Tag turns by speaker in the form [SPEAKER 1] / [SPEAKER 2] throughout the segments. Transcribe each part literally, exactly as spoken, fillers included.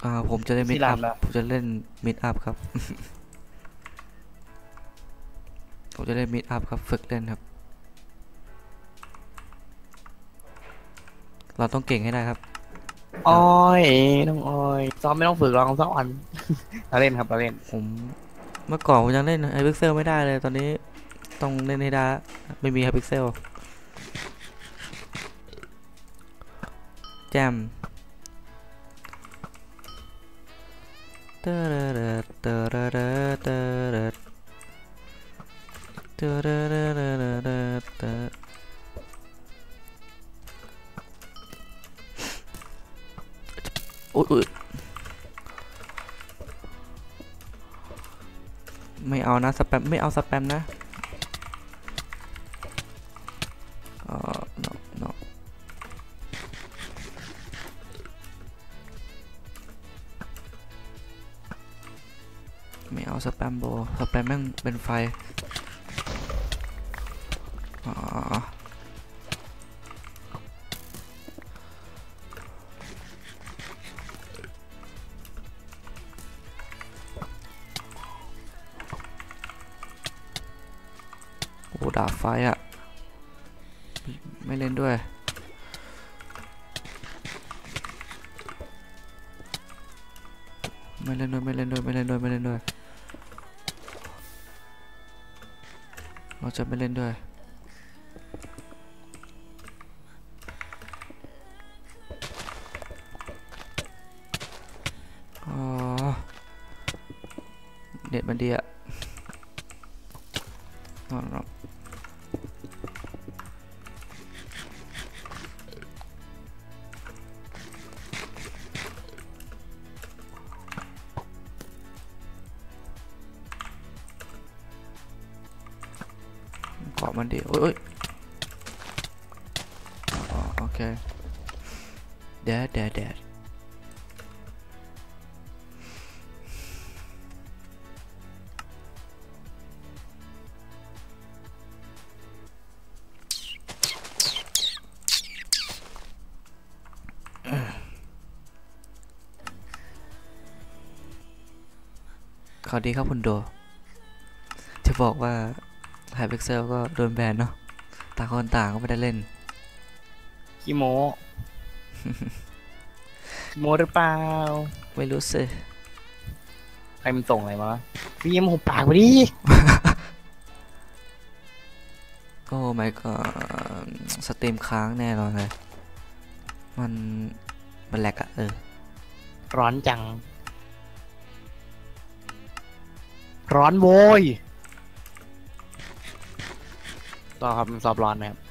[SPEAKER 1] อ่าผมจะเล่นมิดอัพผมจะเล่นมิดอัพครับผมจะเล่นมิดอัพครับฝึกเล่นครับเราต้องเก่งให้ได้ครับ
[SPEAKER 2] อ้อยน้องอ้อยซ้อมไม่ต้องฝึกหรอกซ้อมอ่อนเราเล่นครับเราเล่น
[SPEAKER 1] ผมเมื่อก่อนผมยังเล่นไฮพิกเซลไม่ได้เลยตอนนี้ต้องเล่นให้ได้ไม่มีไฮพิกเซลแจมเตอร์เตอร์เตอร์เตอร์เตอร์เตอร์เตอร์เตอร์เตอร์อุ้ยไม่เอานะสแปมไม่เอาสแปมนะเออ no no ไม่เอาสแปมโบสแปมแม่งเป็นไฟอ๋อโอ้ดาบไฟอะไม่เล่นด้วยไม่เล่นด้วยไม่เล่นด้วยไม่เล่นด้วยไม่เล่นด้วยเราจะไม่เล่นด้วยอ๋อเน็ตมันดีอะนอนนอนเกาะมันดีโอ้ยอ๋อโอเคแดดแดดแดดขอดีครับคุณโดจะบอกว่าไฮพิกเซลก็โดนแบนเนาะต่างคนต่างก็ไม่ได้เล่น
[SPEAKER 2] ขี้โมขี้โมหรือเปล่า
[SPEAKER 1] ไม่รู้สิ
[SPEAKER 2] ใครมันส่งอะไรมาฟิล์มหุบปากไปดิ
[SPEAKER 1] โอ้ไม่ก็สตรีมค้างแน่นอนเลยมันมันแหลกอะเออ
[SPEAKER 2] ร้อนจังร้อนโวยต่อครับมันซอบร้อนนะครับ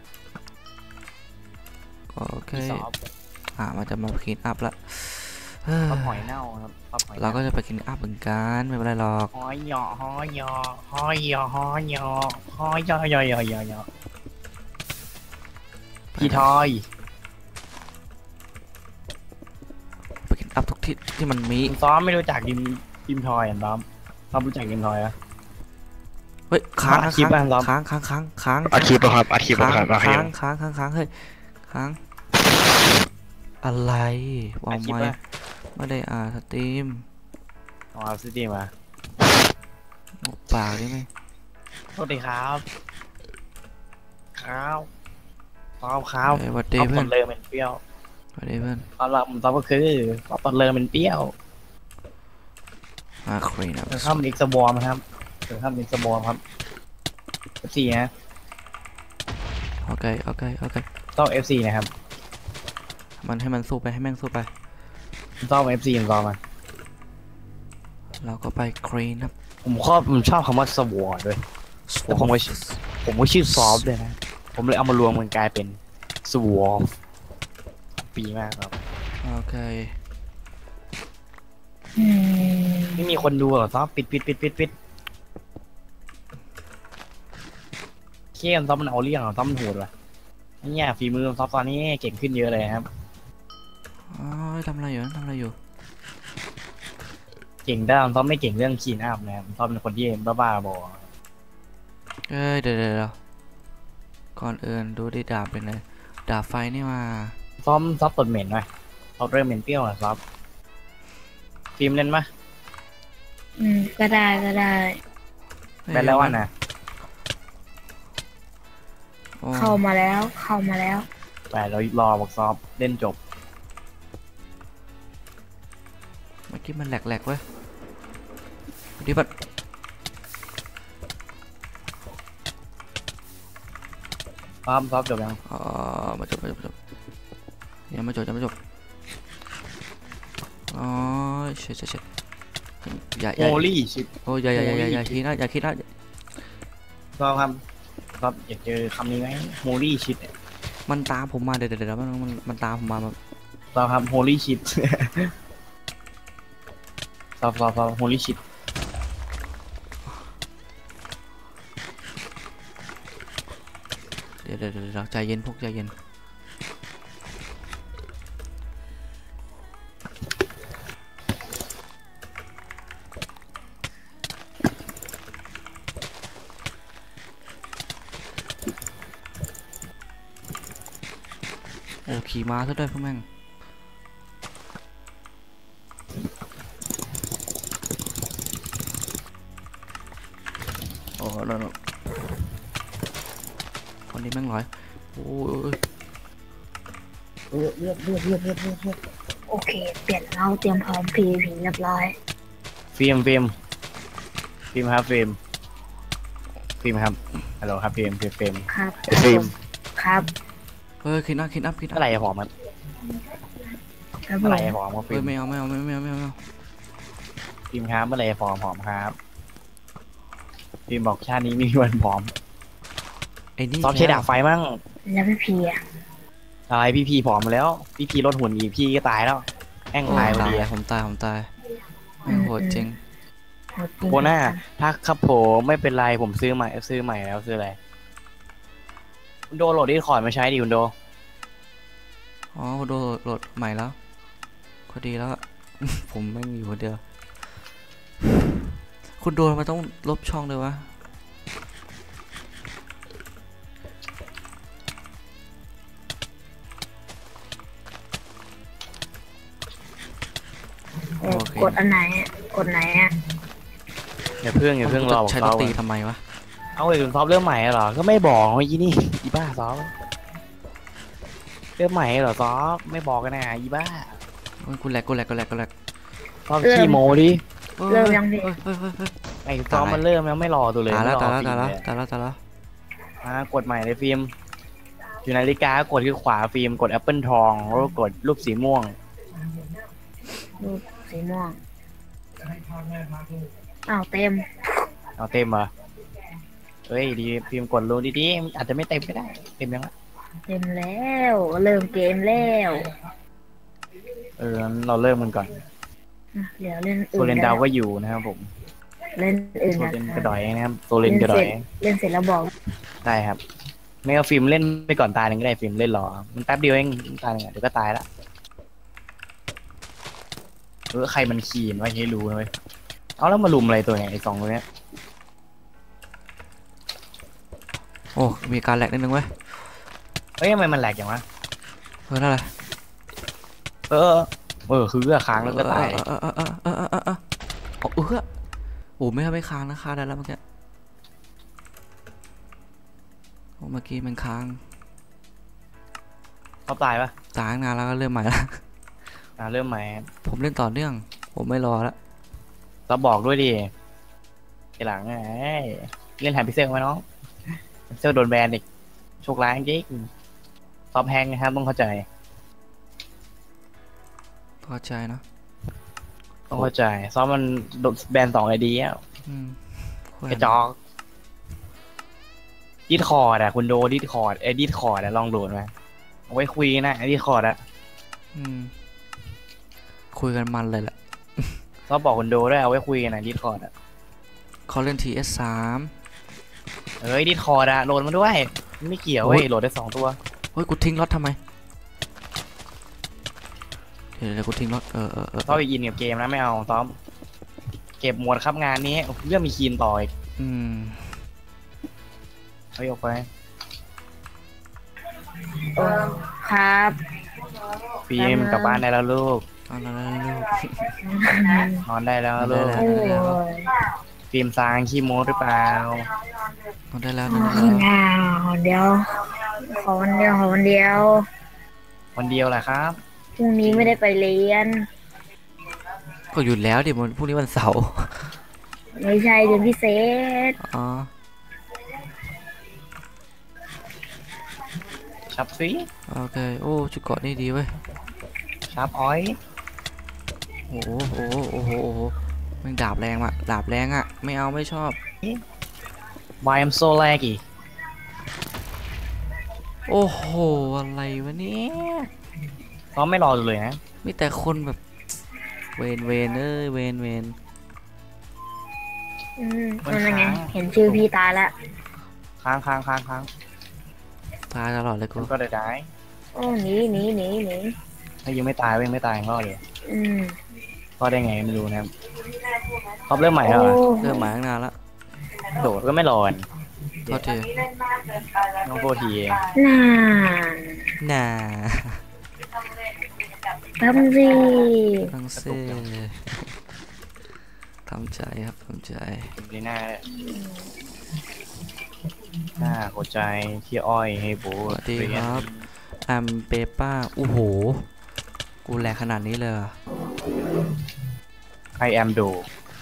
[SPEAKER 1] โอเคอ่ามันจะมาคลีนอัพละ
[SPEAKER 2] ซอบหอยเน่าครับ
[SPEAKER 1] เราก็จะไปคลีนอัพเหมือนกันไม่เป็นไรหรอก
[SPEAKER 2] หอยหยอหอยหยอหอยหยอหอยหยอหอยหยอหยอหยอหยอหยอพี่ทอย
[SPEAKER 1] ไปคลีนอัพทุกที่ที่มันมี
[SPEAKER 2] ซ้อมไม่รู้จักดิมดิมทอยอ่ะซ้อมซ้อมรู้จักดิมทอยอ่ะ
[SPEAKER 1] เฮ้ยค้างค้างค้างค้างค้างค้าง
[SPEAKER 2] อาชีพครับอาชีพครับ
[SPEAKER 1] ค้างค้างค้างค้างเฮ้ยค้างอะไรวางไว้ไม่ได้อ่าสตรีม
[SPEAKER 2] อ๋อสตรีมอ่ะ
[SPEAKER 1] ปากได้ไหม
[SPEAKER 2] สวัสดีครับข้าวข้าวข้าว
[SPEAKER 1] วัดเดย์เพื่อน
[SPEAKER 2] เลยเป็นเปรี้ยว
[SPEAKER 1] วัดเดย์เพื่อน
[SPEAKER 2] ตอนหลังผมตอบก็คือตอนเลยเป็นเปรี้ยว
[SPEAKER 1] มาครีน
[SPEAKER 2] ครับข้ามอีกสบอมครับถึงข้ามอีกสบอมครับเอฟซีนะ
[SPEAKER 1] โอเคโอเคโอเค
[SPEAKER 2] ต้องเอฟซีนะครับ
[SPEAKER 1] มันให้มันสู้ไปให้แม่งสู้ไป
[SPEAKER 2] ต้องเอฟซีต่อมา
[SPEAKER 1] เราก็ไปครีนครับ
[SPEAKER 2] ผมชอบผมชอบคำว่าสวอด้วยแต่ผมก็ผมก็ชื่อซอฟเลยนะผมเลยเอามารวมมันกลายเป็นสวอฟปีมากครับ
[SPEAKER 1] โอเค
[SPEAKER 2] ไม่มีคนดูหรอซอฟปิดปิดปิดปิดปิดเขี้ยนซอฟมันเอาเรื่องหรอซอฟมันโหดว่ะเนี่ยฝีมือซอฟตอนนี้เก่งขึ้นเยอะเลยครับ
[SPEAKER 1] อ๋อทำอะไรอยู่ทำอะไรอยู่
[SPEAKER 2] เก่งได้ซอฟไม่เก่งเรื่องคีนอัพนะครับซอฟเป็นคนที่บ้าๆบอ
[SPEAKER 1] เอ้ยเดี๋ยวเดี๋ยวก่อนอื่นดูได้ดาบเป็นไงดาบไฟนี่มา
[SPEAKER 2] ซอฟซอฟตดเหม็นไหมซอฟเริ่มเหม็นเปรี้ยวอ่ะซอฟฟิล์มเล่นปะ
[SPEAKER 3] อืมก็ได้ก็ได้
[SPEAKER 2] แบนแล้ววันน่ะ
[SPEAKER 1] อ๋อ
[SPEAKER 3] เข้ามาแล้วเข้ามาแล้ว
[SPEAKER 2] ไปเรารอบอกซอฟเล่นจบ
[SPEAKER 1] เมื่อกี้มันแหลกๆเว้ยดิบัด
[SPEAKER 2] ซอฟซอฟจบยัง
[SPEAKER 1] อ๋อมาจบมาจบมาจบยังไม่จบยังไม่จบอ๋อเช็ดเช็ดเช็ดอย่าอ
[SPEAKER 2] โฮ
[SPEAKER 1] ย่า
[SPEAKER 2] ลี่ชิป
[SPEAKER 1] โอ้ยอย่าอย่าอย่าอย่าอย่าคิดนะอย่าคิดนะ
[SPEAKER 2] ซอฟครับซอฟอยากเจอคำนี้ไหมโฮลี่ชิป
[SPEAKER 1] มันตามผมมาเดี๋ยวเดี๋ยวเดี๋ยวมันมันมันตามผมมาแบบ
[SPEAKER 2] ซอฟครับโฮลี่ชิป ซอฟซอฟซอฟโฮลี่ชิป
[SPEAKER 1] เดี๋ยวเดี๋ยวเดี๋ยวเดี๋ยวใจเย็นพวกใจเย็นโอ้ขี่ม้าซะด้วยพวกแม่งโอ้โหคนนี้แม่งร้อยโอ้ย
[SPEAKER 3] เลือกเลือกเลือกเลือกเลือกเลือกเลือกโอเค เปลี่ยนเราเตรียมพร้อมพีพีเรียบร้อย
[SPEAKER 2] ฟิล์มฟิล์มฟิล์มครับฟิล์มฟิล์มครับฮัลโหลครับฟิล์มฟิล์มฟิล์ม
[SPEAKER 3] ครับ
[SPEAKER 2] ฟิล์ม
[SPEAKER 3] ครับ
[SPEAKER 1] เฮ้ยคิดอัพคิดอัพคิดอั
[SPEAKER 2] เมื่
[SPEAKER 1] พ
[SPEAKER 2] อไหร่จะผอมครับ
[SPEAKER 3] ครับผ
[SPEAKER 2] เมื่อไหร่
[SPEAKER 3] ม
[SPEAKER 2] จะผอมครับฟิ
[SPEAKER 1] เฮ้
[SPEAKER 2] ล์
[SPEAKER 1] ย
[SPEAKER 2] ม
[SPEAKER 1] ไม่เอาไม่เอาไม่เอาไม่เอาไม่เอาไม่เอา
[SPEAKER 2] ฟิล์มครับเมื่อไหร่จะผอมผอมครับฟิล์มบอกชาตินี้ไม่มีวันผอม
[SPEAKER 1] ไอ้นี่
[SPEAKER 2] ซอฟใช้ดาบไฟมั่ง
[SPEAKER 3] แล้วพี่พีอ่ะ
[SPEAKER 2] อะไรพี่พีผอมมาแล้ว พี่พีลดหุ่นอีกพี่ก็ตายแล้วแห้ง
[SPEAKER 1] โอ้
[SPEAKER 2] ตายพอ
[SPEAKER 1] ตาย
[SPEAKER 2] ดี
[SPEAKER 1] ผมตายผมตายแม่งโหดจริง
[SPEAKER 3] หมดจริง
[SPEAKER 2] โคน่าถ้าครับผมไม่เป็นไรผมซื้อใหม่ซื้อใหม่แล้วซื้ออะไรคุณโดโหลดดิสคอร์ดมาใช้ดิคุณโด
[SPEAKER 1] อ๋อโดนโหลดใหม่แล้วก็ดีแล้ว ผมแม่งอยู่คนเดียวคุณโดนมาต้องลบช่องเลยวะ
[SPEAKER 3] เออกดอันไหนอะกดไหนอ่ะ
[SPEAKER 2] อย่าเพิ่งอย่าเพิ่งรอบอก
[SPEAKER 1] ใช้
[SPEAKER 2] ซ
[SPEAKER 1] ด
[SPEAKER 2] อน ฟ
[SPEAKER 1] ตรีทำไมวะ
[SPEAKER 2] เอาไอ้คุณซอฟเริ่มใหม่เหรอก็ไม่บอกเมื่อกี้นี่อีบ้าซอฟเริ่มใหม่เหรอซอฟไม่บอกกันนะอีบ้า
[SPEAKER 1] โอ้ยกูแหลกกูแหลกกูแหลกกูแหลก
[SPEAKER 2] ซอฟขี้โมดิ
[SPEAKER 3] เริ่มยังพี่
[SPEAKER 1] เฮ้ยเฮ้ยเฮ้ยเฮ้ย
[SPEAKER 2] ไอ้ซอฟมันเริ่มแล้วไม่รอตัวเลย
[SPEAKER 1] ตายแล้ว
[SPEAKER 2] ไม่
[SPEAKER 1] ตาย
[SPEAKER 2] รอ
[SPEAKER 1] แล้ว
[SPEAKER 2] ฟิ
[SPEAKER 1] ตาย
[SPEAKER 2] ล์ม
[SPEAKER 1] แล้ว
[SPEAKER 2] เลย
[SPEAKER 1] ตายแล้วตายแล้ว
[SPEAKER 2] อ่ากดใหม่เลยฟิล์มอยู่ในนาฬิกากดที่ขวาฟิล์มกดแอปเปิลทองแล้วก็กดรูปสีม่วง
[SPEAKER 3] รูปสีม่วงอ้าวเต็ม
[SPEAKER 2] เอาเต็มเหรอเฮ้ยดีฟิล์มกดรูดีๆอาจจะไม่เต็มก็ได้เต็มยังละ
[SPEAKER 3] เต็มแล้วเริ่มเกมแล้ว
[SPEAKER 2] เอองั้นเราเริ่มกันก่อน
[SPEAKER 3] อ่ะเดี๋ยวเล่น
[SPEAKER 2] โซ
[SPEAKER 3] อื่น
[SPEAKER 2] เลน
[SPEAKER 3] กั
[SPEAKER 2] ดาวก็อยู่นะครับผม
[SPEAKER 3] เล่นอื่น
[SPEAKER 2] โซ
[SPEAKER 3] นะ
[SPEAKER 2] เลน
[SPEAKER 3] ค
[SPEAKER 2] กระ
[SPEAKER 3] รับ
[SPEAKER 2] ดอยนะครับโซเลนกระดอย
[SPEAKER 3] เล่นเสร็จแล้วบอก
[SPEAKER 2] ได้ครับ ไม่เอาฟิล์มเล่นไปก่อนตายหนึ่งก็ได้ฟิล์มเล่นรอมันแป๊บเดียวเองตายหนึ่งอะเดี๋ยวก็ตายละเออใครมันขี่ไว้ให้รู้นะเว้ยเอาแล้วมาลุมอะไรตัวเนี่ยไอ้สองตัวเนี้ย
[SPEAKER 1] โอ้มีการแหลกนิดนึงเว้ย
[SPEAKER 2] เฮ้ยทำไมมันแหลกอย่างวะ
[SPEAKER 1] เฮ้ยนั่นแหละ
[SPEAKER 2] เออเออคือเลือกค้างแล้วก็ตาย
[SPEAKER 1] เออเออเออเออเออเออเออโอ้เออโอ้ไม่ไม่ค้างนะค้างได้แล้วเมื่อกี้โอ้เมื่อกี้มันค้าง
[SPEAKER 2] เขาตายปะ
[SPEAKER 1] ตายตั้งนานแล้วก็เริ่มใหม่ละ
[SPEAKER 2] อ่าเริ่มใหม่
[SPEAKER 1] ผมเล่นต่อเนื่อง ผมไม่รอละ
[SPEAKER 2] เราบอกด้วยดิทีหลังไงเล่นแฮมพิเซลไหมน้องแฮมพิเซลโดนแบนอีกโชคร้ายจริงซอฟแฮงนะครับต้องเข้าใจ
[SPEAKER 1] พอใจเนาะ
[SPEAKER 2] ต้องเข้าใจซอฟมันโดนแบนสองไอเดีย
[SPEAKER 1] อืม
[SPEAKER 2] กระจอกดิสคอร์ดอะคุณโดดิสคอร์ดไอ้ดิสคอร์ดอะลองโหลดมาเอาไว้คุยนะไอ้ดิสคอร์ดอะ
[SPEAKER 1] อืมคุยกันมันเลยแหละ
[SPEAKER 2] ซอฟบอกคุณโดด้วยเอาไว้คุยกันนะดิสคอร์ดอะ
[SPEAKER 1] เขาเล่น ที เอส สาม
[SPEAKER 2] เฮ้ยดิสคอร์ดอะโหลดมาด้วยไม่เกี่ยวเว้ยโหลดได้สองตัว
[SPEAKER 1] เฮ้ยกูทิ้งรถทำไมเดี๋ยวเดี๋ยวกูทิ้งรถเออเออเออ
[SPEAKER 2] ซอฟไปอินกับเกมนะไม่เอาซอฟเก็บหมวดครับงานนี้เรื่องมีคีนต่ออีก
[SPEAKER 1] อืม
[SPEAKER 2] เฮ้ยออกไป
[SPEAKER 3] เออครับ
[SPEAKER 2] ฟิล์มกลับบ้านได้แล้วลูก
[SPEAKER 1] โเอาแล้วลูก
[SPEAKER 2] นอนได้แล้ว
[SPEAKER 1] นอนได้
[SPEAKER 2] ลูก
[SPEAKER 1] แล้ว
[SPEAKER 3] โอ้ย
[SPEAKER 2] ฟิล์มซางขี้โม้หรือเปล่า
[SPEAKER 1] เอาได้แล้ว
[SPEAKER 3] อ๋
[SPEAKER 1] ได้
[SPEAKER 3] อ
[SPEAKER 1] แล้ว
[SPEAKER 3] อ่าเดี๋ยว ขอวันเดียวขอวันเดียว
[SPEAKER 2] วันเดียวแหละครับ
[SPEAKER 3] พรุ่งนี้ไม่ได้ไปเรียน
[SPEAKER 1] ก็หยุดแล้วดิมันพรุ่งนี้วันเสาร์
[SPEAKER 3] ไม่ใช่เรียนพิเศษ
[SPEAKER 1] อ๋อ
[SPEAKER 2] ชับซี
[SPEAKER 1] โอเคโอ้ชุดเกราะนี่ดีเว้ย
[SPEAKER 2] ชับอ้อย
[SPEAKER 1] โอ้โหโอ้โหโอ้โหโอ้โหแมันดาบแรงอ่ะดาบแรงอ่ะไม่เอาไม่ชอบ
[SPEAKER 2] วายเอ็มโซแลกอีก
[SPEAKER 1] โอ้โหอะไรวะเนี่ย
[SPEAKER 2] ก็ไม่รอเลยนะ
[SPEAKER 1] มีแต่คนแบบเวนเวนเอ้ยเวนเวน
[SPEAKER 3] อืมนั่นไง เห็นชื่อพี่ตายละ
[SPEAKER 2] ค้างค้างค้างค้าง
[SPEAKER 1] ตายตลอดเลยกู
[SPEAKER 2] มันก็ได้ได้
[SPEAKER 3] โอ้หนีหนีหนีหนี
[SPEAKER 2] ถ้ายังไม่ตายยังไม่ตายยังรอดอยู่
[SPEAKER 3] อืม
[SPEAKER 2] รอดได้ไงไม่รู้นะครับเขาเริ่มใหม่แล้ว
[SPEAKER 3] โอ้
[SPEAKER 2] เหรอ
[SPEAKER 1] เริ่มมาตั้งนานละ
[SPEAKER 2] โดดก็ไม่รอด
[SPEAKER 1] โทษที
[SPEAKER 2] น้องโทษทีเอง
[SPEAKER 3] น่า
[SPEAKER 1] น่า
[SPEAKER 3] ทำสิ
[SPEAKER 1] ต้องเซ่ทำใจครับทำใจ
[SPEAKER 2] ดีหน้าหน้าหัวใจที่อ้อยให้โบ
[SPEAKER 1] สวัสดีครับแอมเปป้าโอ้โหกูแรงขนาดนี้เลยเหรอ
[SPEAKER 2] ไอแอมดู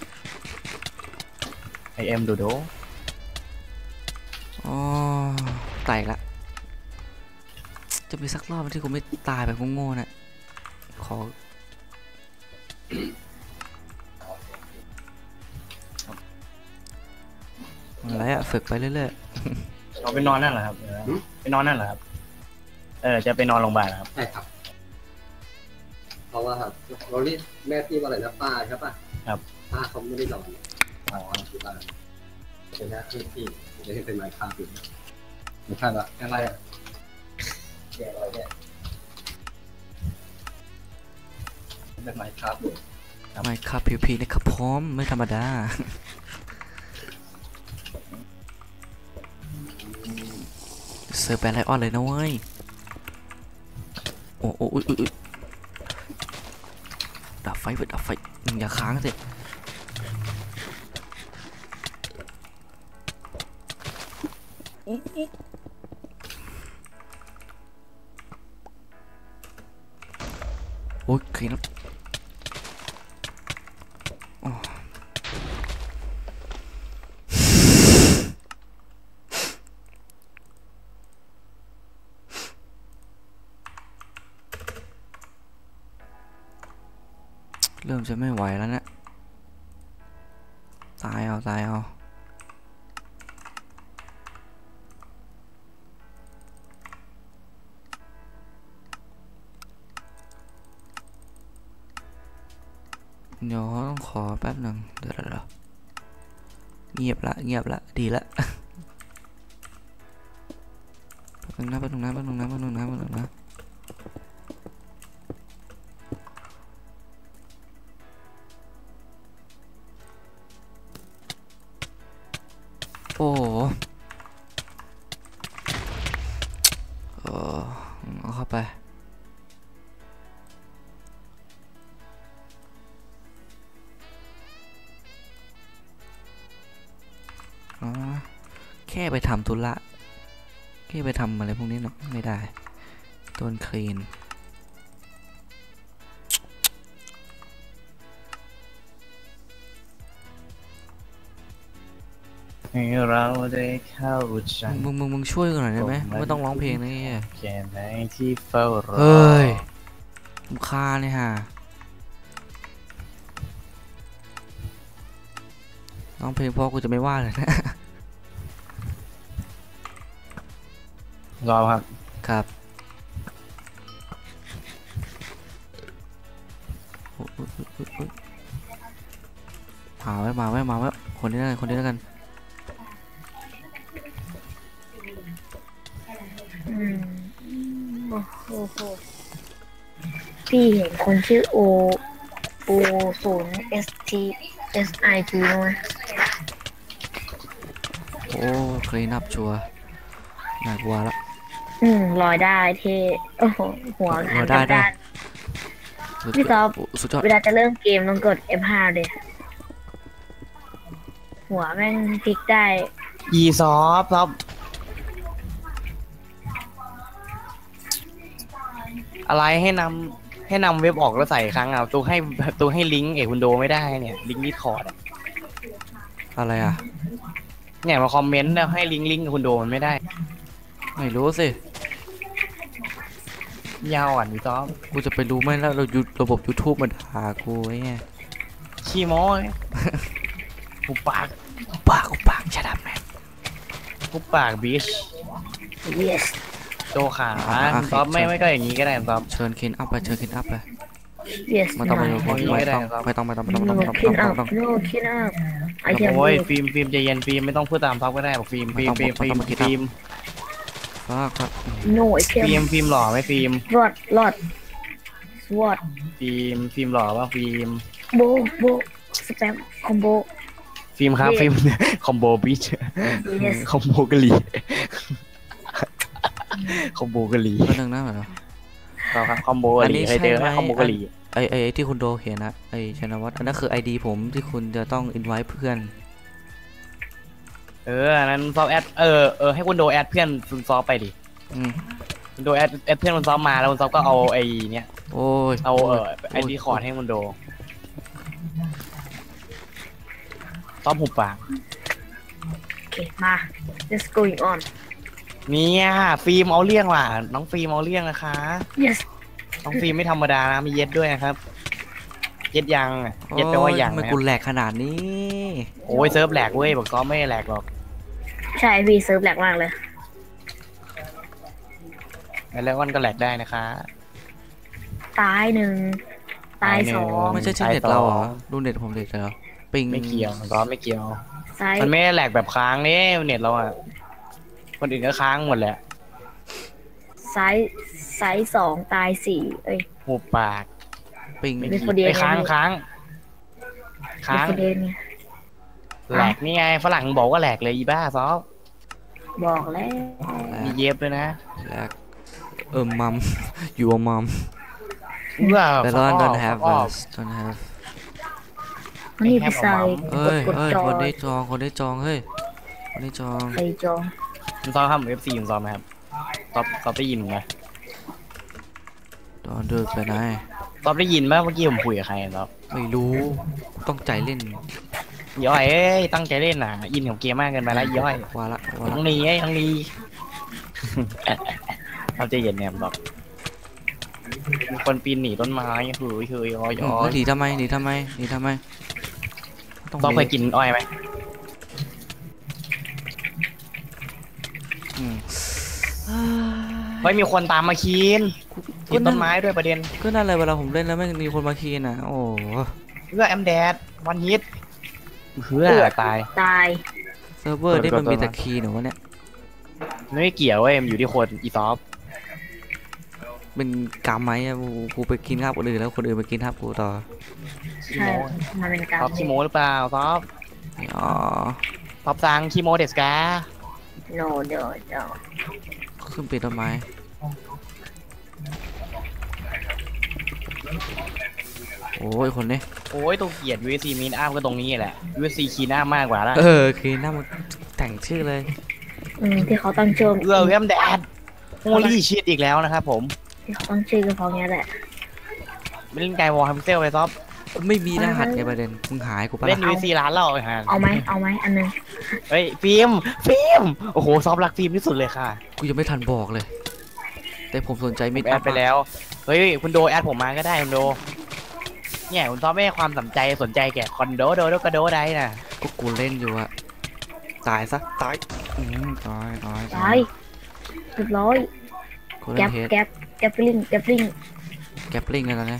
[SPEAKER 2] ไอแอมดูโด
[SPEAKER 1] อ๋อไต่ละจะมีสักรอบที่กูไม่ตายแบบโง่ๆน่ะขออะไรอะฝึกไปเรื่อย
[SPEAKER 2] เราไปนอนนั่นเหรอครับเออไปนอนนั่นเหรอครับเออจะไปนอนโรงพยาบาลเหรอครับ
[SPEAKER 4] ใช่ครับ เพราะว่าครับเราเรียกแม่พี่ว่าอะไรนะป้าใช่ป่ะ
[SPEAKER 2] ครับ
[SPEAKER 4] ป้าเขาไม่ได้นอนป้าเขาอยู่บ้านเป็นหน้าที่พี่จะให้เป็นไม้ค้าอยู่ไม่ใช่ปะอะไรอ่ะแกอะไรเนี่ยเป็นไม้ค้าอยู่
[SPEAKER 1] ๆไม่ครับพีพีนะครับพร้อมไม่ธรรมดาเซิร์ฟแบนไลออนเลยนะเว้ยโอ้โอ้อุ๊ยอุ๊ยอุ๊ยดับไฟเว้ยดับไฟมึงอย่าค้างสิโอ้ยคลีนแล้วอ๋อเริ่มจะไม่ไหวแล้วเนะตายเอาตายเอาเดี๋ยวต้องขอแป๊บหนึ่งเดี๋ยวเดี๋ยวเงียบละเงียบละดีละแป๊บนึงนะแป๊บนึงนะแป๊บนึงนะแป๊บนึงนะแป๊บนึงนะโอ้โหเออเอาเข้าไปอ๋อแค่ไปทำธุระแค่ไปทำอะไรพวกนี้เนาะไม่ได้โดนคลีน
[SPEAKER 2] ให้เราได้เข้าใจ
[SPEAKER 1] มึงมึงมึงช่วยกันหน่อยได้ไหมไม่ต้องร้องเพลงนะเฮีย
[SPEAKER 2] แค่ไหนที่เฝ้ารอ
[SPEAKER 1] เฮ้ยมุคาเนี่ยฮะร้องเพลงเพราะกูจะไม่ว่าเลยนะ
[SPEAKER 2] รอครับ
[SPEAKER 1] ครับโอ๊ยโอ๊ยโอ๊ยโอ๊ยโอ๊ยมาไว้มาไว้มาไว้คนนี้แล้วกันคนนี้แล้วกัน
[SPEAKER 3] อืมโอ้โหพี่เห็นคนชื่อโอโอศูนย์ S T S I T ไหม
[SPEAKER 1] โอ้คลีนับชัวร์น่ากลัวละ
[SPEAKER 3] อืมลอยได้เท่โอ้โหหัว
[SPEAKER 1] ลอยได้ได้
[SPEAKER 3] ด้านพี่ต๊อบ
[SPEAKER 1] สุดยอด
[SPEAKER 3] เวลาจะเริ่มเกมต้องกด เอฟ ห้า เลยหัวแม่งพลิกได้
[SPEAKER 2] อีซอฟซอฟอะไรให้นำให้นำเว็บออกแล้วใส่ครั้งอ่ะตัวให้ตัวให้ลิงก์เอกคุณโดไม่ได้เนี่ยลิงก์ดิสคอร์ด
[SPEAKER 1] อะไรอ่ะ
[SPEAKER 2] เนี่ยมาคอมเมนต์แล้วให้ลิงก์ลิงก์กับคุณโดมันไม่ได้
[SPEAKER 1] ไม่รู้สิ
[SPEAKER 2] ยาวอ่ะนี่ซอฟ
[SPEAKER 1] กูจะไปรู้ไหมแล้วเรายูระบบ YouTube มาด่ากูไอ้เงี้ย
[SPEAKER 2] ขี้โม้ หุบปาก
[SPEAKER 1] ปากกูปากชัดแม่
[SPEAKER 2] หุบปากบิช
[SPEAKER 3] yes
[SPEAKER 2] โตขาซอฟไม่ไม่ก็อย่างนี้ก็ได้ซอฟ
[SPEAKER 1] เชิญคินอัพไปเชิญคินอัพไป
[SPEAKER 3] yes
[SPEAKER 1] ไม่ต้องไม่ต้อง
[SPEAKER 2] ไม่
[SPEAKER 1] ไม่
[SPEAKER 2] ได้
[SPEAKER 1] ต้อง
[SPEAKER 2] ครับ
[SPEAKER 1] ไม่ต้องไม่ต้องไม่ต้องไม่ต้อง
[SPEAKER 3] no
[SPEAKER 1] ไม่ต้อง
[SPEAKER 3] clean
[SPEAKER 1] ไม่
[SPEAKER 3] up
[SPEAKER 1] ต้อง
[SPEAKER 3] no clean up I can
[SPEAKER 2] โอ้ย
[SPEAKER 3] do it
[SPEAKER 2] ฟิล์มฟิล์มใจเย็นฟิล์มไม่ต้องพูดตามซอฟก็ได้บอกฟิล์มฟิล์มฟิล์มฟิล์มฟิล์ม
[SPEAKER 1] ฟากครับ
[SPEAKER 3] no I
[SPEAKER 2] ฟิล์
[SPEAKER 3] can
[SPEAKER 2] มฟิล์มหล่อไหมฟิล์ม
[SPEAKER 3] rot rot sword
[SPEAKER 2] ฟิล์มฟิล์มหล่อป่ะฟิล์ม
[SPEAKER 3] bo bo spam combo
[SPEAKER 2] ฟิล์มครับ
[SPEAKER 3] Yes
[SPEAKER 2] ฟิล์มคอมโบบิช
[SPEAKER 3] yes
[SPEAKER 2] คอมโบกะหรี่คอมโบกะหรี่
[SPEAKER 1] ก็นึงนะเหรอ
[SPEAKER 2] เราครับคอมโบกะหรี่เคยเจอไหมคอมโบกะหรี่
[SPEAKER 1] ไอไอไอที่คุณโดเขียนนะไอชนวัฒน์อันนั้นคือไอดีผมที่คุณจะต้องอินไว้เพื่อน
[SPEAKER 2] เอออันนั้นซอฟแอดเออเออให้คุณโดแอดเพื่อนคุณซอฟไปดิ
[SPEAKER 1] อืม
[SPEAKER 2] คุณโดแอดแอดเพื่อนคุณซอฟมาแล้วคุณซอฟก็เอาไอ้เนี้ย
[SPEAKER 1] โอ้ย
[SPEAKER 2] เอาเออไอดีคอร์ดให้คุณโดซอฟหุบปาก
[SPEAKER 3] โอเคมา let's going on
[SPEAKER 2] เนี่ยฟิล์มเอาเรื่องว่ะน้องฟิล์มเอาเรื่องนะคะ
[SPEAKER 3] yes
[SPEAKER 2] น้องฟิล์มไม่ธรรมดานะมีเย็ดด้วยนะครับ เย็ดยังอะเย็ดแปลว่ายัง
[SPEAKER 1] ทำไม
[SPEAKER 2] นะค
[SPEAKER 1] กู
[SPEAKER 2] รับ
[SPEAKER 1] แหลกขนาดนี้
[SPEAKER 2] โอ้ยเซิร์ฟแหลกเว้ยบอกซอฟไม่แหลกหรอก
[SPEAKER 3] ใช่พี่เซิร์ฟแหลกมากเลย
[SPEAKER 2] แล้ววันก็แหลกได้นะคะ
[SPEAKER 3] ตายหนึ่งตายสอง
[SPEAKER 1] ไม่ใช่ใช่เน็ตเราเหรอดูเน็ตผมเน็ตเหรอปิง
[SPEAKER 2] ไม่เกี่ยวซอฟไม่เกี่ยว
[SPEAKER 3] ซ้าย
[SPEAKER 2] มันไม่ได้แหลกแบบค้างนี่เน็ตเราอะคนอื่นก็ค้างหมดแหละ
[SPEAKER 3] ซ้ายซ้ายสองตายสี่เอ้ย
[SPEAKER 2] หุบปาก
[SPEAKER 1] ปิง
[SPEAKER 2] ไม่
[SPEAKER 3] เป็น
[SPEAKER 2] กี่
[SPEAKER 3] คนเดียว
[SPEAKER 2] ไปค้าง
[SPEAKER 3] ไง
[SPEAKER 2] ค้างค้าง
[SPEAKER 3] เดนไง
[SPEAKER 2] แหลกนี่ไงฝรั่งบอกว่าแหลกเลยอีบ้าซอฟ
[SPEAKER 3] บอกแล้ว
[SPEAKER 2] มีเย็บด้วยนะ
[SPEAKER 1] แหลกเออมัม อยู่มัม
[SPEAKER 2] เพื่อ
[SPEAKER 1] แต่
[SPEAKER 2] ฟั
[SPEAKER 1] เรา
[SPEAKER 2] กอ
[SPEAKER 1] don't
[SPEAKER 2] อก
[SPEAKER 1] have
[SPEAKER 2] ฟักออก
[SPEAKER 1] us don't have
[SPEAKER 3] นี่พี่ชาย
[SPEAKER 1] เอ้ย
[SPEAKER 3] กด
[SPEAKER 1] เอ้ย
[SPEAKER 3] จอ
[SPEAKER 1] คนได้จองคนได้จองเฮ้ยคนได้จอง
[SPEAKER 3] ใครจอง
[SPEAKER 2] คุณซอฟทำเอฟซีคุณซอฟไหมครับซอฟซอฟได้ยินไหม
[SPEAKER 1] ตอนเดินไปไหน
[SPEAKER 2] ซอฟได้ยินไหมเมื่อกี้ผมคุยกับใครซอฟ
[SPEAKER 1] ไม่รู้ต้องใจเล่น
[SPEAKER 2] ย่อยเอ้ยตั้งใจเล่นน่ะอินกับเกมมากเกินไปแล้วย่อย
[SPEAKER 1] ว่าละว่า
[SPEAKER 2] น้
[SPEAKER 1] ละ
[SPEAKER 2] องนีไอ้น้องนี เราจะเย็นเนี่ยแบบมีคนปีนหนีต้นไม้เฮ้ยเฮ้ยย้อย
[SPEAKER 1] อืม
[SPEAKER 2] ย้อ
[SPEAKER 1] แล้ว
[SPEAKER 2] ย
[SPEAKER 1] หนีทำไมหนีทำไมหนีทำไมต้อง
[SPEAKER 2] ซอฟ
[SPEAKER 1] ห
[SPEAKER 2] เคยกินอ้อยไหม
[SPEAKER 1] อืม
[SPEAKER 2] เฮ้ยมีคนตามมาคีนกินต้นไม้ด้วยประเด็น
[SPEAKER 1] ก็นั่นเลยเวลาผมเล่นแล้วไม่มีคนมาคีนอ่ะโอ้โห
[SPEAKER 2] เพื่อแอมแดดวันฮิตเพื่อตาย
[SPEAKER 3] ตาย
[SPEAKER 1] เซิร์ฟเวอร์นี่มันมี
[SPEAKER 2] เปิดก่อน
[SPEAKER 1] แต่คีย์เหรอวะเนี่ย
[SPEAKER 2] ไม่เกี่ยวเว้ยมันอยู่ที่คนอีซอฟ
[SPEAKER 1] เป็นกรรมไหมอะกูกูไปกินข้าวคนอื่นแล้วคนอื่นไปกินข้าวกูต่อ
[SPEAKER 2] ขี้
[SPEAKER 3] ใช่
[SPEAKER 2] โม
[SPEAKER 3] มันเป็นการ
[SPEAKER 2] ซอฟขี้โมหรือเปล่าซอฟ
[SPEAKER 1] อ๋อ
[SPEAKER 2] ซอฟซังขี้โมเดสกา
[SPEAKER 3] โนเดี๋ยวเดี๋ยว
[SPEAKER 1] ขึ้นปีนต้นไม้โอ้ยคนนี้
[SPEAKER 2] โอ้ยตัวเกลียด ยู เอส ซี มีนอ้ามก็ตรงนี้แหละ ยู เอส ซี คีนอ้ามมากกว่าละ
[SPEAKER 1] เออคีย์หน้ามันแต่งชื่อเลย
[SPEAKER 3] อืมที่เขาตั้งชื่อ
[SPEAKER 2] เอื้อแอมแดดโมลี่ชิดอีกแล้วนะครับผม
[SPEAKER 3] ที่เขาตั้งชื่อก็เพราะงี้แหละ
[SPEAKER 2] ไม่เล่นไกวอลฮัมเซลไปซอฟ
[SPEAKER 1] ไม่มีรหัสไงประเด็นมึงหายกูปะ
[SPEAKER 2] เล่น
[SPEAKER 1] ล่ะ
[SPEAKER 2] ยู เอส ซี ร้านเราไอ้ห่า
[SPEAKER 3] เอาไหมเอาไหมอันหนึง
[SPEAKER 2] เฮ้ยฟิล์มฟิล์มโอ้โหซอฟรักฟิล์มที่สุดเลยค่ะ
[SPEAKER 1] กูยังไม่ทันบอกเลย แต่ผมสนใจมิด
[SPEAKER 2] แอดไปแล้วเฮ้ยคุณโดแอดผมมาก็ได้คุณโดเนี่ยคุณซอฟไม่ให้ความสนใจสนใจแก่คอนโดโดโดกระโดได้น่ะ
[SPEAKER 1] ก็กูเล่นอยู่อะตายซะตายอืมตายตาย
[SPEAKER 3] ตายเรียบร้อย
[SPEAKER 1] กูเล่
[SPEAKER 3] แก๊
[SPEAKER 1] น
[SPEAKER 3] ป
[SPEAKER 1] เฮด
[SPEAKER 3] แก๊ปแก๊ปลิงแก๊ปลิง
[SPEAKER 1] แกปลิงกันแล้วนะ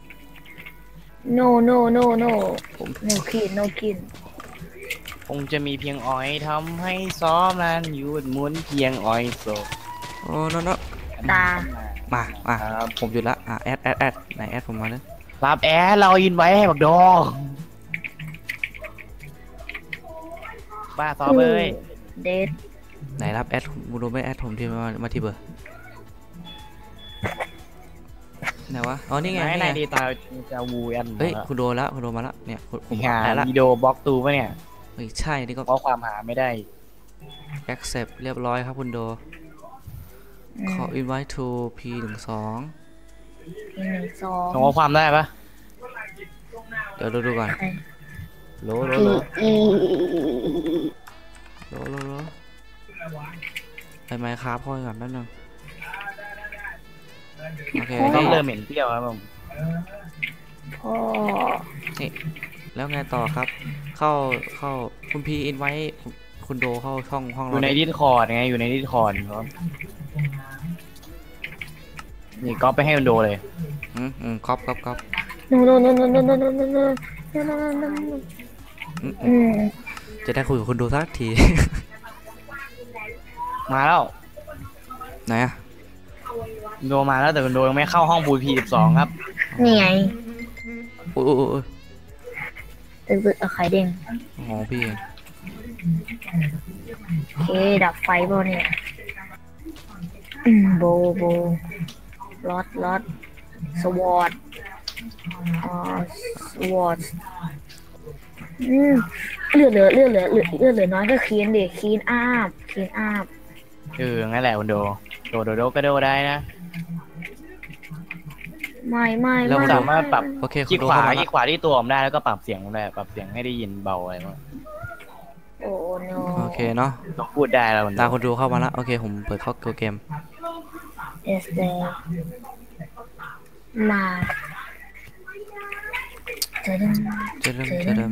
[SPEAKER 3] no no no no no kin no kin
[SPEAKER 2] คงจะมีเพียงอ้อยทำให้ซ้อมนั้นหยุดหมุนเพียงอ้อยโซ
[SPEAKER 1] โอ้โนโน
[SPEAKER 3] ตา
[SPEAKER 1] มามา
[SPEAKER 2] ครับ
[SPEAKER 1] ผมหยุดละอ่ะแอดแอดแอดไหนแอดผมมาเลย
[SPEAKER 2] รับแอดเราอินไว้ให้บักดอบ้าซอฟเอ้ย
[SPEAKER 3] เดท
[SPEAKER 1] ไหนรับแอดมูโดไม่แอดผมที่มามาที่เบอร์ไหนวะอ๋อนี่ไง
[SPEAKER 2] ไหน
[SPEAKER 1] นี่
[SPEAKER 2] ไหน
[SPEAKER 1] ไง
[SPEAKER 2] ดีตาจะวูแอน
[SPEAKER 1] เฮ้ยคุณโดนแล้วคุณโดนมาแล้วเนี่ยผมผม
[SPEAKER 2] หา
[SPEAKER 1] แพ้ละ
[SPEAKER 2] วิดีโอบล็อกตูปะเนี่ย
[SPEAKER 1] เฮ้ยใช่นี่ก็
[SPEAKER 2] เพราะความหาไม่ได้
[SPEAKER 1] accept เรียบร้อยครับคุณโด
[SPEAKER 3] อืม
[SPEAKER 1] ขอ invite to พี หนึ่งสอง
[SPEAKER 3] หนึ่งสอง
[SPEAKER 2] ส่งข้อความได้ปะ
[SPEAKER 1] เดี๋ยวดูดูก่อนโหลโหล
[SPEAKER 3] พี
[SPEAKER 1] โหล
[SPEAKER 3] อี
[SPEAKER 1] โหลโหลโหลไปไมค์ครับพ่อก่อนแป๊บนึงโอเค
[SPEAKER 2] ต้อ
[SPEAKER 1] นี่
[SPEAKER 2] งเริ่มเหม็นเปรี้ยวครับผม
[SPEAKER 3] พ่อ
[SPEAKER 1] นี่แล้วไงต่อครับ เข้าเข้าคุณพี invite คุณโดเข้าช่องห้อง
[SPEAKER 2] อ
[SPEAKER 1] เรา
[SPEAKER 2] ยู่ใน
[SPEAKER 1] ดิ
[SPEAKER 2] ดิสคอร์ดไงอยู่ในดิสคอร์ดครับนี่ก๊อปไปให้มันโดเลย
[SPEAKER 1] อืมอืมก๊อปก๊อปก๊อป
[SPEAKER 3] โนโนโนโนโนโนโนโนโนโนโนโน
[SPEAKER 1] อืมอื
[SPEAKER 3] อื
[SPEAKER 1] ม
[SPEAKER 3] ม
[SPEAKER 1] จะได้คุยกับคุณโดสักที
[SPEAKER 2] มาแล้ว
[SPEAKER 1] ไหนอะ
[SPEAKER 2] โดมาแล้วแต่คุณโดยังไม่เข้าห้องบูพีสิบสองครับ
[SPEAKER 3] นี่ไง
[SPEAKER 1] โอ้ยโอ้ยโอ้ย
[SPEAKER 3] ตึกตึกเอาไข่เด้ง
[SPEAKER 1] โอ้โหพี่เอง
[SPEAKER 3] โอเคดับไฟบ่เนี่ยอืมโบโบลอดลอดสวอตอ่าสวอตอืมเลือดเหลือเลือดเหลือเลือดเลือดเหลือน้อยก็คีนเด็กคีนอาบคีนอาบ
[SPEAKER 2] เอองั้นแหละคุณโดโดโดโดก็โดได้นะ
[SPEAKER 3] ไม่ไม่
[SPEAKER 1] แล้ว
[SPEAKER 3] ไม่
[SPEAKER 1] คุณโด
[SPEAKER 2] สามารถปรับ
[SPEAKER 1] โอเคคุ
[SPEAKER 2] คลิ
[SPEAKER 1] ณ
[SPEAKER 2] ก
[SPEAKER 1] โด
[SPEAKER 2] ขวา
[SPEAKER 1] เข้ามา
[SPEAKER 2] คลิ
[SPEAKER 1] ละ
[SPEAKER 2] กขวาที่ตัวผมได้แล้วก็ปรับเสียงผมได้ปรับเสียงให้ได้ยินเบาอะไรบ้าง
[SPEAKER 3] โอ้โน
[SPEAKER 1] โอเคเนาะ
[SPEAKER 2] ต้องพูดได้แล้วคุณโด
[SPEAKER 1] ตามคุณโดเข้ามาละโอเคผมเปิดเข้าตัวเกม
[SPEAKER 3] เอสเดมาจะดึง
[SPEAKER 1] จะเริ่มจะเริ่ม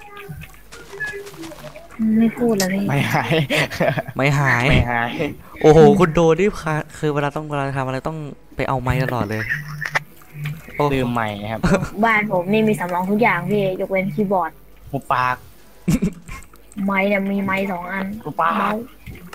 [SPEAKER 3] ไม่พูดแล้วพี่
[SPEAKER 2] ไม่หาย
[SPEAKER 1] ไม่หาย
[SPEAKER 2] ไม่หาย
[SPEAKER 1] โอ้โหคุณโดนี่ค่ะคือเวลาต้องเวลาทำอะไรต้องไปเอาไม้ตลอดเลยโอ้
[SPEAKER 2] ลืมใหม่ครับ
[SPEAKER 3] บ้านผมนี่มีสำรองทุกอย่างพี่ยกเว้นคีย์บอร์ด
[SPEAKER 2] หูปาก
[SPEAKER 3] ไม้เนี่ยมีไม้สองอัน
[SPEAKER 2] หูปาก
[SPEAKER 3] เมาส์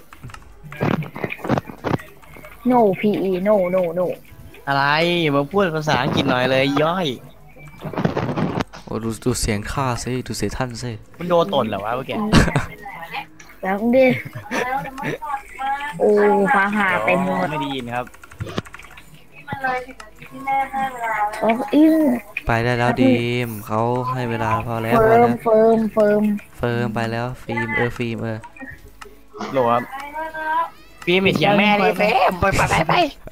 [SPEAKER 3] no pe no no no
[SPEAKER 2] อะไรมาพูดภาษาอังกฤษหน่อยเลยย่อย
[SPEAKER 1] โอ้ดูดูเสียงข้าสิดูเสียงท่านสิ
[SPEAKER 2] คุณโดตนเหรอวะเมื่อกี้
[SPEAKER 3] แล้วดิโอ้ฟ้าผ่าเต็มหมด
[SPEAKER 2] ไม่ได้ยินครับ
[SPEAKER 3] โอ้อิ้ง
[SPEAKER 1] ไปได้แล้วดีมเขาให้เวลาพอแล้ว
[SPEAKER 3] เฟิ
[SPEAKER 1] พอ
[SPEAKER 3] ร์
[SPEAKER 1] แล้
[SPEAKER 3] ม
[SPEAKER 1] ว
[SPEAKER 3] เฟิร์มเฟิร์ม
[SPEAKER 1] เฟิร์มไปแล้วฟิล์มเออฟิล์มเออ
[SPEAKER 2] โหลครับฟิล์มเถียงแม่ดิเฟมไปไปไปไป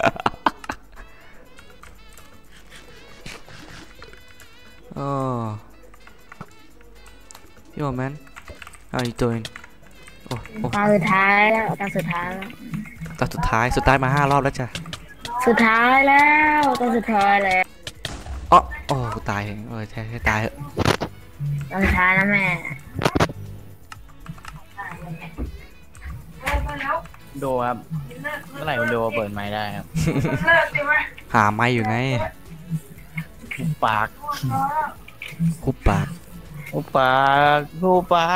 [SPEAKER 1] อ๋อ Yo man how you doing โอ้โอ้
[SPEAKER 3] ตาสุดท้ายแล้วตาสุดท้ายแล้ว
[SPEAKER 1] ตอนสุดท้ายสุดท้ายมาห้ารอบแล้วจ้ะ
[SPEAKER 3] สุดท้ายแล้วตาสุดท้ายแล้ว
[SPEAKER 1] อ๋อโอ้กูตายเองเออใช่ให้ตายเถอะ
[SPEAKER 3] ตาสุดท้ายแล้วแม่
[SPEAKER 2] โดครับเมื่อไหร่คุณโดเปิดไมค์ได้ครับ
[SPEAKER 1] หาไม้อยู่ไง
[SPEAKER 2] หูปาก
[SPEAKER 1] คุบปาก
[SPEAKER 2] หูปากหูปาก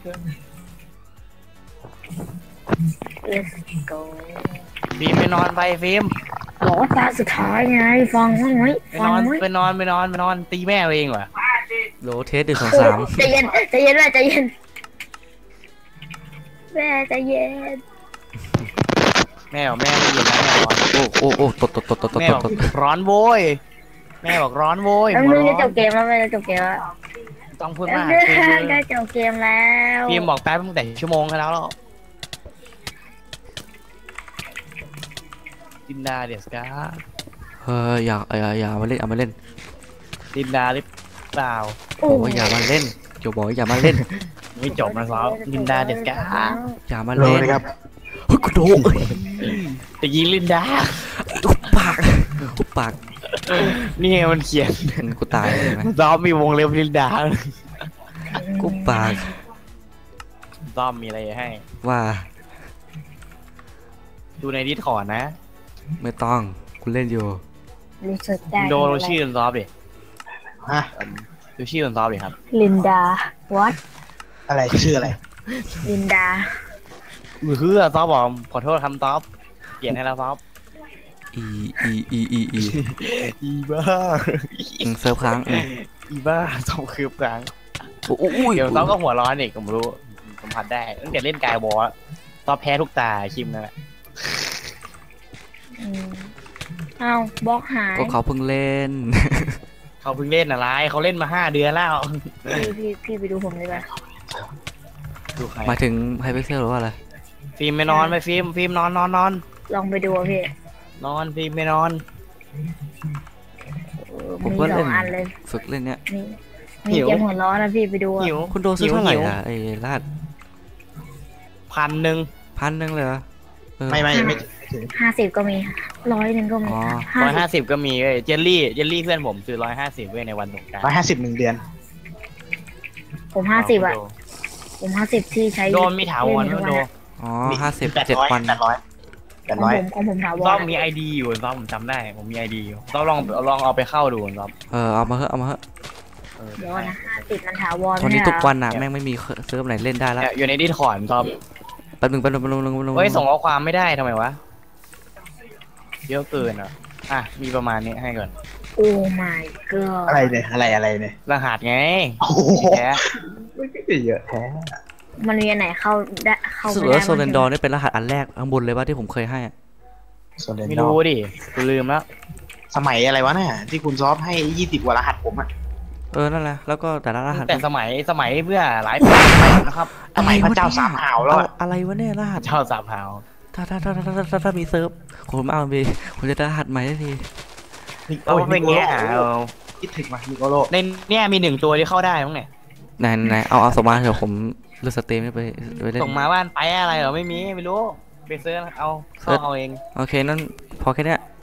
[SPEAKER 3] let's go
[SPEAKER 2] ฟิล์มไปนอนไปฟิล์ม
[SPEAKER 3] บอกว่าตาสุดท้ายไงฟังบ้างไหม
[SPEAKER 2] ไป
[SPEAKER 3] ฟั
[SPEAKER 2] น
[SPEAKER 3] ง
[SPEAKER 2] อน
[SPEAKER 3] ไหม
[SPEAKER 2] ไปนอนไปนอนไปนอนตีแม่เองวะ
[SPEAKER 1] โลเทสหนึ่งสองสาม
[SPEAKER 3] ใจเย็นใจเย็นแม่ใจเย็นแม่ใจเย็น
[SPEAKER 2] แม่บอกแม่ไม่ยินแล้วแม่ร้อน
[SPEAKER 1] โอ้โอ้โอ้ตดตดตดตดตด
[SPEAKER 2] แม่
[SPEAKER 1] ต
[SPEAKER 2] บ
[SPEAKER 1] ด
[SPEAKER 2] อก
[SPEAKER 1] ตด
[SPEAKER 2] ร้อนโว้ยแม่บอกร้อนโว้ย
[SPEAKER 3] แล้ว
[SPEAKER 2] หัว
[SPEAKER 3] นึง
[SPEAKER 2] ร้
[SPEAKER 3] จะ
[SPEAKER 2] อ
[SPEAKER 3] จ
[SPEAKER 2] น
[SPEAKER 3] บเกมแล้วแม่จะจบเกมแล้ว
[SPEAKER 2] ต้องพูด
[SPEAKER 3] แล้ว
[SPEAKER 2] มาก
[SPEAKER 3] นึ
[SPEAKER 2] ฟิล์ม
[SPEAKER 3] งจะจบเกมแล้ว
[SPEAKER 2] ฟิล์มบอกแป๊บตั้งแต่ชั่วโมงแล้วแล้วดินดาเดสกา
[SPEAKER 1] เฮ้ยอย่าอย่าอย่ามาเล่นอย่ามาเล่น
[SPEAKER 2] ดินดาหรือเปล่า
[SPEAKER 1] บอกว่าอย่ามาเล่นโจบอกว่าอย่ามาเล่น
[SPEAKER 2] ไม่จบนะสาวลินดาเดสกา
[SPEAKER 1] อย่ามาเล่นครับเฮ้ยกูโดนเอ้ย
[SPEAKER 2] ตะกี้ลินดา
[SPEAKER 1] หุบปากหุบปาก
[SPEAKER 2] นี่ไงมันเขียน
[SPEAKER 1] กูตายเลยไหม
[SPEAKER 2] ซอมมีวงเล็บลินดา
[SPEAKER 1] กูปาก
[SPEAKER 2] ซอมมีอะไรให้
[SPEAKER 1] ว่า
[SPEAKER 2] ดูในดิสคอร์ดนะ
[SPEAKER 1] ไม่ต้องกูเล่นอยู่
[SPEAKER 3] รู้สึกได้
[SPEAKER 2] โดดูชื่อซอฟดิ
[SPEAKER 4] ฮะ
[SPEAKER 2] ดูชื่อซอฟดิครับ
[SPEAKER 3] ลินดา what
[SPEAKER 4] อะไรชื่ออะไร
[SPEAKER 3] ลินดา
[SPEAKER 2] มือคือซอฟบอกขอโทษคำซอฟเปลี่ยนให้แล้วซอฟ
[SPEAKER 1] อีอีอีอีอี
[SPEAKER 2] อีบ้า
[SPEAKER 1] อืมเซิร์ฟค้างอืม
[SPEAKER 2] อีบ้าซอฟคืบกลาง
[SPEAKER 1] โอ้โห
[SPEAKER 2] เดี๋ยวซอฟก็หัวร้อนอีกผมรู้ผมพัดได้ตั้งแต่เล่นกายบอลซอฟแพ้ทุกตาคิมนั่นแหละ
[SPEAKER 3] อืมเอ้าบล็อกหาย
[SPEAKER 1] ก็เขาเพิ่งเล่น
[SPEAKER 2] เขาเพิ่งเล่นอะไรเขาเล่นมาห้าเดือนแล้ว
[SPEAKER 3] พี่พี่พี่ไปดูผมเลยป่ะ
[SPEAKER 2] ดูใคร
[SPEAKER 1] หมายถึงไฮพิกเซลหรือว่าอะไร
[SPEAKER 2] ฟิล์มไม่นอนไปฟิล์มฟิล์มนอนนอนนอน
[SPEAKER 3] ลองไปดูอะพี่
[SPEAKER 2] นอนฟิล์มไม่นอน
[SPEAKER 3] เออ
[SPEAKER 1] ผม
[SPEAKER 3] มี
[SPEAKER 1] ก็
[SPEAKER 3] สอ
[SPEAKER 1] เล่น
[SPEAKER 3] งอันเลย
[SPEAKER 1] ฝึกเล่นเนี้ย
[SPEAKER 3] มีมีเกมหัวล้อนะพี่ไปดูอะ
[SPEAKER 2] หิว
[SPEAKER 1] คุณโดซื้อเท่าไหร่
[SPEAKER 2] หิว
[SPEAKER 1] อ่ะไอ้รหัส
[SPEAKER 2] พันหนึ่ง
[SPEAKER 1] พันหนึ่งเลยเหรอเออ
[SPEAKER 4] ไม่ไม่ไม่ถึง
[SPEAKER 3] ห้าสิบก็มีร้อยหนึ่งก็มี
[SPEAKER 1] อ๋อ
[SPEAKER 3] ห้า
[SPEAKER 2] ร้อย
[SPEAKER 3] สิ
[SPEAKER 2] ห้า
[SPEAKER 3] บ
[SPEAKER 2] สิบก็มีเว้ยเจลลี่เจลลี่เพื่อนผมซื้อร้อยห้าสิบเว้ยในวันสงกรานต์
[SPEAKER 4] ร้อยห้าสิบหนึ่งเดือน
[SPEAKER 3] ผมห้าสิบอะผมห้าสิบที่ใช้
[SPEAKER 2] โดนมีถาวร
[SPEAKER 3] เล่
[SPEAKER 2] ไม่
[SPEAKER 3] น
[SPEAKER 2] โด
[SPEAKER 3] ทุก
[SPEAKER 2] น
[SPEAKER 3] อะ
[SPEAKER 1] อ๋อห้าสิบ
[SPEAKER 4] แปด
[SPEAKER 1] เจ็ด
[SPEAKER 4] ร้อย
[SPEAKER 1] วัน
[SPEAKER 4] แปดร้อยแป
[SPEAKER 3] ข
[SPEAKER 4] ด
[SPEAKER 3] อง
[SPEAKER 4] ร้อย
[SPEAKER 3] ผมของผมถาวร
[SPEAKER 2] ซ้อม
[SPEAKER 3] อะ
[SPEAKER 2] มีไอดีอยู่ซ้อมผมจำได้ผมมีไอดีอยู่ซ้อมลองลองเอาไปเข้าดูซ้อม
[SPEAKER 1] เออเอามาเถอะเอามาเถอะ
[SPEAKER 2] เออ
[SPEAKER 3] เดี๋ยวนะห้าสิบมันถาวร
[SPEAKER 1] ตอนนี้
[SPEAKER 3] ไม่
[SPEAKER 1] ทุก
[SPEAKER 3] ใช่เหรอ
[SPEAKER 1] วันอ่ะแม่งไม่มีเซิร์ฟไหนเล่นได้แล้ว
[SPEAKER 2] เนี่ยอยู่ในดิสคอร์ดซ้อม
[SPEAKER 1] แป๊บนึงแป๊บนึงแป๊บนึงแป๊บนึงแป๊บนึง
[SPEAKER 2] เฮ้ยส่งข้อความไม่ได้ทำไมวะเยอะเกินอ่ะอ่ะมีประมาณนี้ให้ก่อน
[SPEAKER 3] โอ้ my god
[SPEAKER 4] อะไรเนี่ยอะไรอะไรเนี่ย
[SPEAKER 2] รหัสไง
[SPEAKER 4] โอ้โห
[SPEAKER 2] แท้
[SPEAKER 4] เยอะแท้
[SPEAKER 3] มันมีอันไหนเข้าได้เข้า
[SPEAKER 1] รู้สึก
[SPEAKER 3] ไม่ได้
[SPEAKER 1] ว่าโซเลนดอ
[SPEAKER 3] บ้าง
[SPEAKER 1] ร์นี่เป็นรหัสอันแรกข้างบนเลยว่าที่ผมเคยให้อะ
[SPEAKER 4] โซเลน
[SPEAKER 2] ไม่
[SPEAKER 4] ดอ
[SPEAKER 2] รู้
[SPEAKER 4] ร์
[SPEAKER 2] ดิกูลืมแล้ว
[SPEAKER 4] สมัยอะไรวะน่ะที่คุณซอฟให้ยี่สิบกว่ารหัสผมอ่ะ
[SPEAKER 1] เออนั่นแหละแล้วก็แต่ละรหัส
[SPEAKER 2] แต่สมัยสมัยเพื่อหลายปีนะครับ
[SPEAKER 4] สมัยพระเจ้าสามหาวแล้ว
[SPEAKER 1] อะ
[SPEAKER 4] อะ
[SPEAKER 1] อะไรวะเนี่ยรหัส
[SPEAKER 2] เจ้าสามหาว
[SPEAKER 1] ถ้าถ้าถ้าถ้าถ้าถ้าถ้ามีเซิร์ฟผมเอาไปผมจะได้รหัสใหม่ทันที
[SPEAKER 2] เราเป็นแง่หาเอา
[SPEAKER 4] คิดถึงมานิโกโล
[SPEAKER 2] ในเนี่ยมีหนึ่งตัวที่เข้าได้มั้งเนี่ย
[SPEAKER 1] ไหนไหนเอาเอาส่งมาเถอะผมเลือกสตรีมไปไปเล่น
[SPEAKER 2] ส่งมาบ้านไปอะไรเหรอไม่มีไม่รู้ไปซื้อเอาเข้าเอาเอง
[SPEAKER 1] โอเคนั่นพอแค่เนี้ย